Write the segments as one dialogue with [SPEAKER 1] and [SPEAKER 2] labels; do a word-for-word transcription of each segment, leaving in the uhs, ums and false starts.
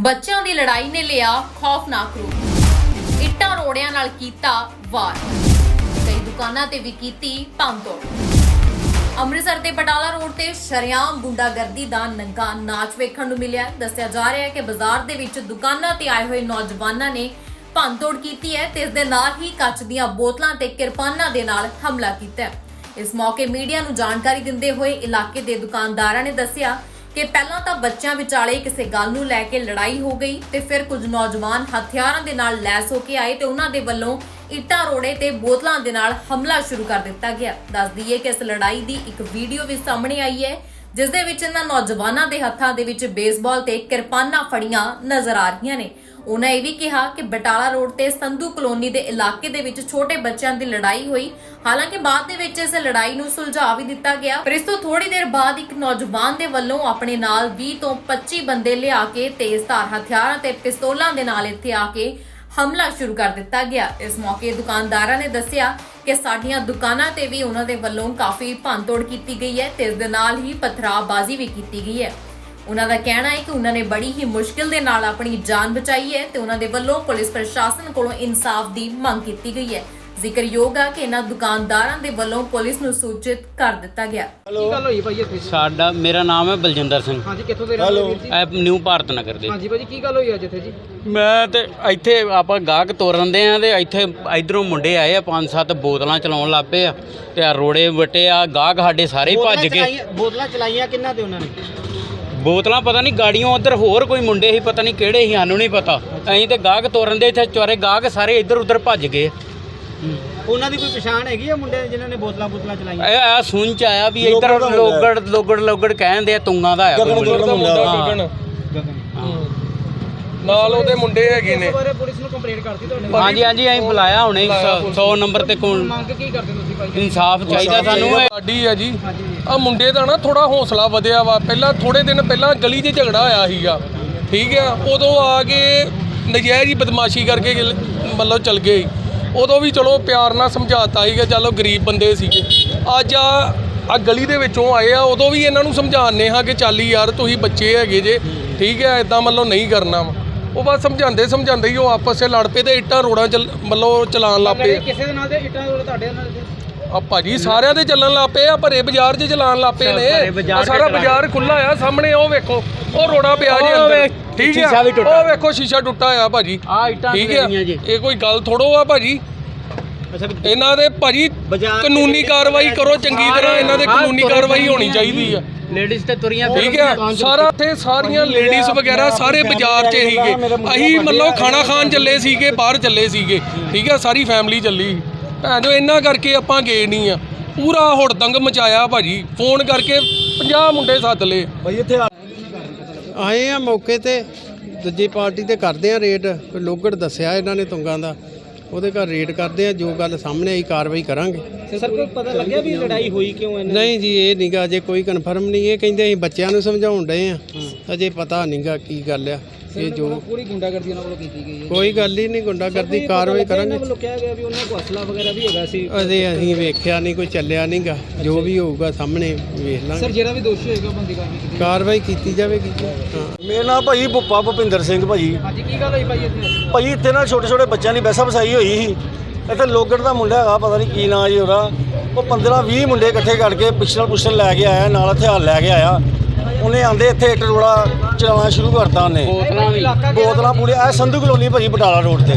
[SPEAKER 1] ਬੱਚਿਆਂ ਦੀ ਲੜਾਈ ਨੇ ਲਿਆ ਖੌਫਨਾਕ ਰੂਪ। ਇੱਟਾਂ ਰੋੜਿਆਂ ਨਾਲ ਕੀਤਾ ਵਾਰ, ਕਈ ਦੁਕਾਨਾਂ ਤੇ ਵੀ ਕੀਤੀ ਭੰਨਤੋੜ। ਅੰਮ੍ਰਿਤਸਰ ਦੇ ਬਟਾਲਾ ਰੋਡ ਤੇ ਸ਼ਰੇਆਮ ਗੁੰਡਾਗਰਦੀ ਦਾ ਨੰਗਾ ਨਾਚ ਵੇਖਣ ਨੂੰ ਮਿਲਿਆ। ਦੱਸਿਆ ਜਾ ਰਿਹਾ ਹੈ ਕਿ ਬਾਜ਼ਾਰ ਦੇ ਵਿੱਚ ਦੁਕਾਨਾਂ ਤੇ ਆਏ ਹੋਏ ਨੌਜਵਾਨਾਂ ਨੇ ਭੰਨਤੋੜ ਕੀਤੀ ਹੈ ਤੇ ਇਸ ਦੇ ਨਾਲ ਹੀ ਕੱਚ ਦੀਆਂ ਬੋਤਲਾਂ ਤੇ ਕਿਰਪਾਨਾਂ ਦੇ ਨਾਲ ਹਮਲਾ ਕੀਤਾ ਹੈ। ਇਸ ਮੌਕੇ ਮੀਡੀਆ ਨੂੰ ਜਾਣਕਾਰੀ ਦਿੰਦੇ ਹੋਏ ਇਲਾਕੇ ਦੇ ਦੁਕਾਨਦਾਰਾਂ ਨੇ ਦੱਸਿਆ ਕਿ ਪਹਿਲਾਂ ਤਾਂ ਬੱਚਿਆਂ ਵਿਚਾਲੇ ਕਿਸੇ ਗੱਲ ਨੂੰ ਲੈ ਕੇ ਲੜਾਈ ਹੋ ਗਈ ਤੇ ਫਿਰ ਕੁਝ ਨੌਜਵਾਨ ਹਥਿਆਰਾਂ ਦੇ ਨਾਲ ਲੈਸ ਹੋ ਕੇ ਆਏ ਤੇ ਉਹਨਾਂ ਦੇ ਵੱਲੋਂ ਇੱਟਾਂ ਰੋੜੇ ਤੇ ਬੋਤਲਾਂ ਦੇ ਨਾਲ ਹਮਲਾ ਸ਼ੁਰੂ ਕਰ ਦਿੱਤਾ ਗਿਆ। ਦੱਸ ਦਈਏ ਕਿ ਇਸ ਲੜਾਈ ਦੀ ਇੱਕ ਵੀਡੀਓ ਵੀ ਸਾਹਮਣੇ ਆਈ ਹੈ ਜਿਸ ਦੇ ਵਿੱਚ ਇਹਨਾਂ ਨੌਜਵਾਨਾਂ ਦੇ ਹੱਥਾਂ ਦੇ ਵਿੱਚ ਬੇਸਬਾਲ ਤੇ ਕਿਰਪਾਨਾਂ ਫੜੀਆਂ ਨਜ਼ਰ ਆ ਰਹੀਆਂ ਨੇ। ਉਹਨਾਂ ਇਹ ਵੀ ਕਿਹਾ ਕਿ ਬਟਾਲਾ ਰੋਡ ਤੇ ਸੰਧੂ ਕਲੋਨੀ ਦੇ ਇਲਾਕੇ ਦੇ ਵਿੱਚ ਛੋਟੇ ਬੱਚਿਆਂ ਦੀ ਲੜਾਈ ਹੋਈ। ਹਾਲਾਂਕਿ ਬਾਅਦ ਦੇ ਵਿੱਚ ਇਸ ਲੜਾਈ ਨੂੰ ਸੁਲਝਾ ਵੀ ਦਿੱਤਾ ਗਿਆ, ਪਰ ਇਸ ਤੋਂ ਥੋੜੀ ਦੇਰ ਬਾਅਦ ਇੱਕ ਨੌਜਵਾਨ ਦੇ ਵੱਲੋਂ ਆਪਣੇ ਨਾਲ ਵੀਹ ਤੋਂ ਪੱਚੀ ਬੰਦੇ ਲਿਆ ਕੇ ਤੇਜ਼ਧਾਰ ਹਥਿਆਰਾਂ ਤੇ ਪਿਸਤੌਲਾਂ ਦੇ ਨਾਲ ਇੱਥੇ ਆ ਕੇ ਹਮਲਾ ਸ਼ੁਰੂ ਕਰ ਦਿੱਤਾ ਗਿਆ। ਇਸ ਮੌਕੇ ਦੁਕਾਨਦਾਰਾਂ ਨੇ ਦੱਸਿਆ ਕਿ ਸਾਡੀਆਂ ਦੁਕਾਨਾਂ ਤੇ ਵੀ ਉਹਨਾਂ ਦੇ ਵੱਲੋਂ ਕਾਫੀ ਭੰਨਤੋੜ ਕੀਤੀ ਗਈ ਹੈ ਤੇ ਇਸ ਦੇ ਨਾਲ ਹੀ ਪਥਰਾਬਾਜ਼ੀ ਵੀ ਕੀਤੀ ਗਈ ਹੈ। ਉਹਨਾਂ ਦਾ ਕਹਿਣਾ ਹੈ ਕਿ ਉਹਨਾਂ ਨੇ ਬੜੀ ਹੀ ਮੁਸ਼ਕਿਲ ਦੇ ਨਾਲ ਆਪਣੀ ਜਾਨ ਬਚਾਈ ਹੈ ਤੇ ਉਹਨਾਂ ਦੇ ਵੱਲੋਂ ਪੁਲਿਸ ਪ੍ਰਸ਼ਾਸਨ ਕੋਲੋਂ ਇਨਸਾਫ ਦੀ ਮੰਗ ਕੀਤੀ ਗਈ ਹੈ। ਜ਼ਿਕਰਯੋਗ ਹੈ ਕਿ ਇਹਨਾਂ ਦੁਕਾਨਦਾਰਾਂ ਦੇ ਵੱਲੋਂ ਪੁਲਿਸ ਨੂੰ ਸੂਚਿਤ ਕਰ ਦਿੱਤਾ ਗਿਆ।
[SPEAKER 2] ਕੀ ਗੱਲ ਹੋਈ ਭਾਈ ਇੱਥੇ?
[SPEAKER 3] ਸਾਡਾ ਮੇਰਾ ਨਾਮ ਹੈ ਬਲਜਿੰਦਰ ਸਿੰਘ।
[SPEAKER 2] ਹਾਂਜੀ, ਕਿੱਥੋਂ ਦੇ ਰਹਿਣ ਵਾਲੇ ਵੀਰ ਜੀ?
[SPEAKER 3] ਇਹ ਨਿਊ ਭਾਰਤ ਨਗਰ ਦੇ।
[SPEAKER 2] ਹਾਂਜੀ ਭਾਜੀ, ਕੀ ਗੱਲ ਹੋਈ ਅੱਜ ਇੱਥੇ ਜੀ?
[SPEAKER 3] ਮੈਂ ਤੇ ਇੱਥੇ ਆਪਾਂ ਗਾਹਕ ਤੋਰਨ ਦੇ ਆ ਤੇ ਇੱਥੇ ਇਧਰੋਂ ਮੁੰਡੇ ਆਏ ਆ, ਪੰਜ ਸੱਤ ਬੋਤਲਾਂ ਚਲਾਉਣ ਲੱਗ ਪਏ ਆ ਤੇ ਆ ਰੋੜੇ ਵਟੇ ਆ। ਗਾਹਕ ਸਾਡੇ ਸਾਰੇ ਹੀ ਭੱਜ ਗਏ।
[SPEAKER 2] ਬੋਤਲਾਂ ਚਲਾਈਆਂ ਕਿੰਨਾ ਤੇ ਉਹਨਾਂ ਨੇ?
[SPEAKER 3] ਬੋਤਲਾਂ ਪਤਾ ਨਹੀਂ ਗਾੜੀਆਂ ਉਧਰ ਹੋਰ ਕੋਈ ਮੁੰਡੇ ਸੀ, ਪਤਾ ਨਹੀਂ ਕਿਹੜੇ ਸੀ, ਸਾਨੂੰ ਨਹੀਂ ਪਤਾ। ਅਸੀਂ ਤੇ ਗਾਹਕ ਤੋਰਨ ਦੇ ਇੱਥੇ ਚਾਰੇ ਗਾਹਕ ਸਾਰੇ ਇੱਧਰ ਉੱਧਰ ਭੱਜ ਗਏ।
[SPEAKER 2] ਉਹਨਾਂ ਦੀ ਕੋਈ ਪਛਾਣ ਹੈਗੀ ਆ ਮੁੰਡੇ ਜਿਨ੍ਹਾਂ ਨੇ ਬੋਤਲਾਂ ਬੋਤਲਾਂ ਚਲਾਈਆਂ?
[SPEAKER 3] ਇਹ ਆ ਸੁਣ ਚ ਆਇਆ ਵੀ ਇੱਧਰ ਲੋਗੜ ਲੋਗੜ ਲੋਗੜ ਕਹਿੰਦੇ ਆ, ਤੁੰਗਾਂ ਦਾ ਆ
[SPEAKER 4] ਨਾਲ ਉਹਦੇ ਮੁੰਡੇ ਹੈਗੇ ਨੇ।
[SPEAKER 2] ਇਸ ਬਾਰੇ ਪੁਲਿਸ ਨੂੰ ਕੰਪਲੇਂਟ ਕਰਤੀ ਤੁਹਾਡੇ?
[SPEAKER 3] ਹਾਂਜੀ ਹਾਂਜੀ, ਅਸੀਂ ਬੁਲਾਇਆ ਹੁਣੇ ਸੌ ਨੰਬਰ ਤੇ ਕੋਲ।
[SPEAKER 2] ਮੰਗ ਕੀ ਕਰਦੇ ਤੁਸੀਂ ਭਾਈ?
[SPEAKER 3] ਇਨਸਾਫ ਚਾਹੀਦਾ ਸਾਨੂੰ।
[SPEAKER 4] ਸਾਡੀ ਆ ਜੀ ਆ ਮੁੰਡੇ ਦਾ ਨਾ ਥੋੜਾ ਹੌਸਲਾ ਵਧਿਆ ਵਾ। ਪਹਿਲਾਂ ਥੋੜੇ ਦਿਨ ਪਹਿਲਾਂ ਗਲੀ 'ਚ ਝਗੜਾ ਹੋਇਆ ਸੀਗਾ, ਠੀਕ ਆ। ਉਦੋਂ ਆ ਕੇ ਨਜਾਇਜ਼ ਹੀ ਬਦਮਾਸ਼ੀ ਕਰਕੇ ਮਤਲਬ ਚਲ ਗਏ। ਉਦੋਂ ਵੀ ਚਲੋ ਪਿਆਰ ਨਾਲ ਸਮਝਾਤਾ ਸੀਗਾ, ਚਲੋ ਗਰੀਬ ਬੰਦੇ ਸੀਗੇ। ਅੱਜ ਆ ਆ ਗਲੀ ਦੇ ਵਿੱਚੋਂ ਆਏ ਆ, ਉਦੋਂ ਵੀ ਇਹਨਾਂ ਨੂੰ ਸਮਝਾਉਂਦੇ ਹਾਂ ਕਿ ਚੱਲ ਯਾਰ ਤੁਸੀਂ ਬੱਚੇ ਹੈਗੇ ਜੇ, ਠੀਕ ਹੈ, ਇਦਾਂ ਮਤਲਬ ਨਹੀਂ ਕਰਨਾ ਵਾ। ਉਹ ਬਸ ਸਮਝਾਉਂਦੇ ਸਮਝਾਉਂਦੇ ਹੀ ਉਹ ਆਪਸ 'ਚ ਲੜ ਪਏ ਤੇ ਇੱਟਾਂ ਰੋੜਾਂ ਚੱਲ ਮਤਲਬ ਚਲਾਉਣ ਲੱਗ ਪਏ।
[SPEAKER 2] ਕਿਸੇ ਦੇ ਨਾਲ ਦੇ ਇੱਟਾਂ ਰੋੜੇ ਤੁਹਾਡੇ ਨਾਲ?
[SPEAKER 4] ਆ ਭਾਜੀ ਸਾਰਿਆਂ ਦੇ ਚੱਲਣ ਲੱਗ ਪਏ ਆ, ਭਰੇ ਬਾਜ਼ਾਰ 'ਚ ਚਲਾਉਣ ਲੱਗ ਪਏ ਨੇ। ਸਾਰਾ ਬਾਜ਼ਾਰ ਖੁੱਲਾ ਆ, ਸਾਹਮਣੇ ਉਹ ਵੇਖੋ ਉਹ ਰੋੜਾ ਪਿਆ ਜੀ ਅੰਦਰ, ਠੀਕ ਹੈ। ਉਹ ਵੇਖੋ ਸ਼ੀਸ਼ਾ ਟੁੱਟਾ ਆ ਭਾਜੀ, ਠੀਕ ਹੈ। ਇਹ ਕੋਈ ਗੱਲ ਥੋੜੋ ਆ ਭਾਜੀ। ਇਹਨਾਂ ਦੇ ਭਾਜੀ ਕਾਨੂੰਨੀ ਕਾਰਵਾਈ ਕਰੋ ਚੰਗੀ ਤਰ੍ਹਾਂ, ਇਹਨਾਂ ਦੇ ਕਾਨੂੰਨੀ ਕਾਰਵਾਈ ਹੋਣੀ ਚਾਹੀਦੀ ਆ।
[SPEAKER 3] ਲੇਡੀਜ਼ ਤੇ ਤੁਰੀਆਂ,
[SPEAKER 4] ਠੀਕ ਹੈ। ਸਾਰਾ ਇੱਥੇ ਸਾਰੀਆਂ ਲੇਡੀਜ਼ ਵਗੈਰਾ ਸਾਰੇ ਬਾਜ਼ਾਰ 'ਚ ਸੀਗੇ। ਅਸੀਂ ਮਤਲਬ ਖਾਣਾ ਖਾਣ ਚੱਲੇ ਸੀਗੇ, ਬਾਹਰ ਚੱਲੇ ਸੀਗੇ, ਠੀਕ ਹੈ। ਸਾਰੀ ਫੈਮਿਲੀ ਚੱਲੀ। ਭੈਣ ਜੋ ਇਹਨਾਂ ਕਰਕੇ ਆਪਾਂ ਗਏ ਨਹੀਂ ਆ। ਪੂਰਾ ਹੁੜਦੰਗ ਮਚਾਇਆ ਭਾਜੀ। ਫੋਨ ਕਰਕੇ ਪੰਜਾਹ ਮੁੰਡੇ ਸੱਦ ਲਏ ਭਾਈ ਇੱਥੇ
[SPEAKER 5] ਆਏ ਆ ਮੌਕੇ ਤੇ। ਦੂਜੀ ਪਾਰਟੀ ਤੇ ਕਰਦੇ ਆ ਰੇਡ। ਲੋਗੜ ਦੱਸਿਆ ਇਹਨਾਂ ਨੇ ਤੁੰਗਾਂ ਦਾ, ਉਹਦੇ ਘਰ ਰੇਡ ਕਰਦੇ ਆ। ਜੋ ਗੱਲ ਸਾਹਮਣੇ ਆਈ ਕਾਰਵਾਈ ਕਰਾਂਗੇ।
[SPEAKER 2] ਸਰ ਕੋਈ ਪਤਾ ਲੱਗਿਆ ਵੀ ਲੜਾਈ ਹੋਈ ਕਿਉਂ ਹੈ?
[SPEAKER 5] ਨਹੀਂ ਜੀ, ਇਹ ਨਹੀਂਗਾ ਅਜੇ ਕੋਈ ਕਨਫਰਮ ਨਹੀਂ। ਇਹ ਕਹਿੰਦੇ ਅਸੀਂ ਬੱਚਿਆਂ ਨੂੰ ਸਮਝਾਉਣ ਡਏ ਆ, ਅਜੇ ਪਤਾ ਨਹੀਂਗਾ ਕੀ ਗੱਲ ਆ। ਇਹ ਜੋ
[SPEAKER 2] ਪੂਰੀ ਗੁੰਡਾਗਰਦੀ ਉਹਨਾਂ ਵੱਲੋਂ ਕੀਤੀ ਗਈ ਹੈ।
[SPEAKER 5] ਕੋਈ ਗੱਲ ਹੀ ਨਹੀਂ, ਗੁੰਡਾਗਰਦੀ ਕਾਰਵਾਈ ਕਰਾਂਗੇ।
[SPEAKER 2] ਉਹਨਾਂ ਵੱਲੋਂ ਕਿਹਾ ਗਿਆ ਵੀ ਉਹਨਾਂ ਕੋਲ ਅਸਲਾ ਵਗੈਰਾ ਵੀ ਹੈਗਾ ਸੀ।
[SPEAKER 5] ਅਜੇ ਅਸੀਂ ਵੇਖਿਆ ਨਹੀਂ, ਕੋਈ ਚੱਲਿਆ ਨਹੀਂਗਾ। ਜੋ ਵੀ ਹੋਊਗਾ ਸਾਹਮਣੇ ਵੇਖ
[SPEAKER 2] ਸਰ
[SPEAKER 5] ਲਾਂਗੇ।
[SPEAKER 2] ਜਿਹੜਾ ਵੀ ਦੋਸ਼ੀ ਹੋਏਗਾ ਬੰਦੀ ਕਾਰਵਾਈ ਕੀਤੀ
[SPEAKER 5] ਕਾਰਵਾਈ ਕੀਤੀ ਜਾਵੇਗੀ। ਹਾਂ,
[SPEAKER 6] ਮੇਰਾ ਨਾਮ ਭਾਈ ਭੁੱਪਾ ਭੁਪਿੰਦਰ ਸਿੰਘ ਭਾਜੀ।
[SPEAKER 2] ਹਾਂਜੀ, ਕੀ ਗੱਲ ਹੋਈ ਭਾਈ ਇੱਥੇ?
[SPEAKER 6] ਭਾਜੀ ਇੱਥੇ ਨਾ ਛੋਟੇ ਛੋਟੇ ਬੱਚਿਆਂ ਦੀ ਵੈਸਾ ਵਸਾਈ ਹੋਈ ਸੀ। ਇੱਥੇ ਲੋਗੜ ਦਾ ਮੁੰਡਾ ਹੈਗਾ, ਪਤਾ ਨਹੀਂ ਕੀ ਨਾਂ ਜੀ ਉਹਦਾ। ਉਹ ਪੰਦਰਾਂ ਵੀਹ ਮੁੰਡੇ ਇਕੱਠੇ ਕਰਕੇ ਪਿਸਟਲ ਪੁਸਟਲ ਲੈ ਕੇ ਆਇਆ, ਨਾਲ ਹਥਿਆਰ ਲੈ ਕੇ ਆਇਆ। ਉਹਨੇ ਆਂਦੇ ਇੱਥੇ ਇੱਟ ਰੋੜਾ ਚਲਾਉਣਾ ਸ਼ੁਰੂ ਕਰਤਾ ਉਹਨੇ।
[SPEAKER 3] ਬੋਤਲਾਂ ਵੀ
[SPEAKER 6] ਬੋਤਲਾਂ ਪੂਰੇ ਇਹ ਸੰਧੂ ਕਲੋਨੀ ਭਾਜੀ ਬਟਾਲਾ ਰੋਡ ਤੇ।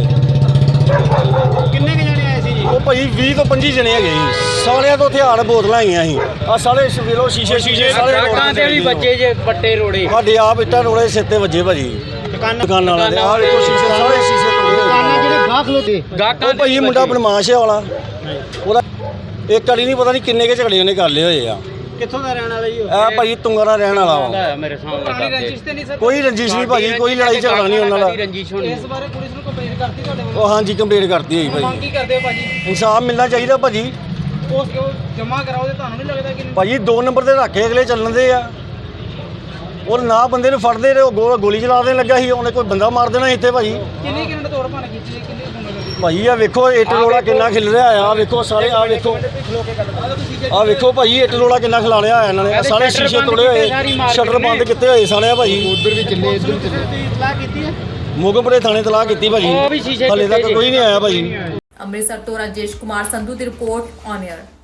[SPEAKER 2] ਕਿੰਨੇ ਕੁ ਜਣੇ ਆਏ ਸੀ ਜੀ?
[SPEAKER 6] ਉਹ ਭਾਜੀ ਵੀਹ ਤੋਂ ਪੱਚੀ ਜਣੇ ਹੈਗੇ ਜੀ। ਸਾਰਿਆਂ ਤੋਂ ਹਥਿਆਰ ਬੋਤਲਾਂ ਆਈਆਂ ਸੀ। ਆ ਸਾਰੇ ਵੇਲੋ ਸ਼ੀਸ਼ੇ ਸ਼ੀਸ਼ੇ ਸਾਰੇ
[SPEAKER 3] ਗਾਹਕਾਂ ਦੇ ਵੀ ਬੱਚੇ ਜੇ ਪੱਟੇ ਰੋੜੇ।
[SPEAKER 6] ਸਾਡੇ ਆਪ ਇੱਟਾਂ ਰੋੜੇ ਸਿਰ ਤੇ ਵੱਜੇ ਭਾਜੀ। ਦੁਕਾਨਾਂ ਵਾਲਿਆਂ ਦੇ ਆਹ ਵੇਖੋ ਸ਼ੀਸ਼ੇ ਸਾਰੇ ਸ਼ੀਸ਼ੇ ਤੋੜੇ ਹੋਏ।
[SPEAKER 2] ਜਿਹੜੇ ਗਾਹਕ ਲੋਦੇ
[SPEAKER 3] ਗਾਹਕਾਂ
[SPEAKER 6] ਉਹ ਭਾਈ ਮੁੰਡਾ ਬਦਮਾਸ਼ ਹੈ ਵਾਲਾ। ਉਹਦਾ ਇੱਕ ਵਾਰੀ ਨਹੀਂ ਪਤਾ ਨਹੀਂ ਕਿੰਨੇ ਕੇ ਝਗੜੇ ਉਹਨੇ ਕਰ ਲਏ ਹੋਏ ਆ।
[SPEAKER 2] ਕਿੱਥੋਂ ਦਾ ਰਹਿਣ ਵਾਲਾ ਜੀ ਉਹ?
[SPEAKER 6] ਇਹ ਭਾਜੀ ਤੁੰਗਾ ਦਾ ਰਹਿਣ ਵਾਲਾ ਵਾ।
[SPEAKER 3] ਮੇਰੇ ਸਾਹਮਣੇ
[SPEAKER 2] ਪੁਰਾਣੀ ਰੰਜਿਸ਼ ਤੇ ਨਹੀਂ ਸਰ?
[SPEAKER 6] ਕੋਈ ਰੰਜਿਸ਼ ਨਹੀਂ ਭਾਜੀ, ਕੋਈ ਲੜਾਈ ਝਗੜਾ ਨਹੀਂ ਉਹਨਾਂ ਦਾ।
[SPEAKER 3] ਰੰਜਿਸ਼ ਹੋਣੀ।
[SPEAKER 2] ਇਸ ਬਾਰੇ ਪੁਲਿਸ ਨੂੰ ਕੰਪਲੇਂਟ ਕਰਤੀ ਤੁਹਾਡੇ ਵੱਲੋਂ?
[SPEAKER 6] ਉਹ ਹਾਂਜੀ ਕੰਪਲੀਟ ਕਰਤੀ ਹੋਈ
[SPEAKER 2] ਮੰਗ
[SPEAKER 6] ਭਾਜੀ।
[SPEAKER 2] ਕੀ ਕਰਦੇ ਹੋ ਭਾਜੀ?
[SPEAKER 6] ਇਨਸਾਫ ਮਿਲਣਾ ਚਾਹੀਦਾ ਭਾਜੀ।
[SPEAKER 2] ਉਸ ਕਿਉਂ ਜਮਾ ਕਰਾਓ ਤੇ ਤੁਹਾਨੂੰ ਨਹੀਂ ਲੱਗਦਾ ਕਿ
[SPEAKER 6] ਭਾਜੀ ਦੋ ਨੰਬਰ ਤੇ ਰੱਖੇ ਅਗਲੇ ਚੱਲਣ ਦੇ ਆ। ਉਹ ਨਾ ਬੰਦੇ ਨੂੰ ਫੜਦੇ ਰਹੇ, ਉਹ ਗੋਲੀ ਚਲਾ ਦੇਣ ਲੱਗਾ ਸੀ। ਉਹਨੇ ਕੋਈ ਬੰਦਾ ਮਾਰ ਦੇਣਾ ਇੱਥੇ ਭਾਜੀ।
[SPEAKER 2] ਕਿੰਨੀ ਕਿੰਨੇ ਤੋੜ ਭੰਨ ਕੀਤੀ? ਕਿੰਨੇ ਗੁੰਡਾਗਰਦੀ
[SPEAKER 6] ਭਾਈ ਆ ਵੇਖੋ ਇੱਟ ਰੋੜਾ ਕਿੰਨਾ ਖਿਲ ਰਿਹਾ ਆ ਵੇਖੋ ਸਾਰੇ ਆ ਵੇਖੋ ਆ ਵੇਖੋ ਭਾਈ ਇੱਟ ਰੋੜਾ ਕਿੰਨਾ ਖਿਲਾਰਿਆ ਹੋਇਆ ਇਹਨਾਂ ਨੇ ਆਹ ਸਾਰੇ ਸ਼ੀਸ਼ੇ ਤੋੜੇ ਹੋਏ ਸ਼ਟਰ ਬੰਦ ਕੀਤੇ ਹੋਏ ਸਾਰੇ ਆ ਭਾਈ ਉਧਰ ਵੀ ਚੱਲੇ ਇੱਧਰ ਵੀ ਚੱਲੇ ਇਤਲਾਹ ਕੀਤੀ ਹੈ ਮੋਗਮਪੁਰੇ ਥਾਣੇ ਤਲਾਹ ਕੀਤੀ ਭਾਜੀ ਹਲੇ ਤੱਕ ਕੋਈ ਨਹੀਂ ਆਇਆ ਭਾਜੀ।
[SPEAKER 1] ਅੰਮ੍ਰਿਤਸਰ ਤੋਂ ਰਾਜੇਸ਼ ਕੁਮਾਰ ਸੰਧੂ ਦੀ ਰਿਪੋਰਟ ਔਨ 에ਅਰ।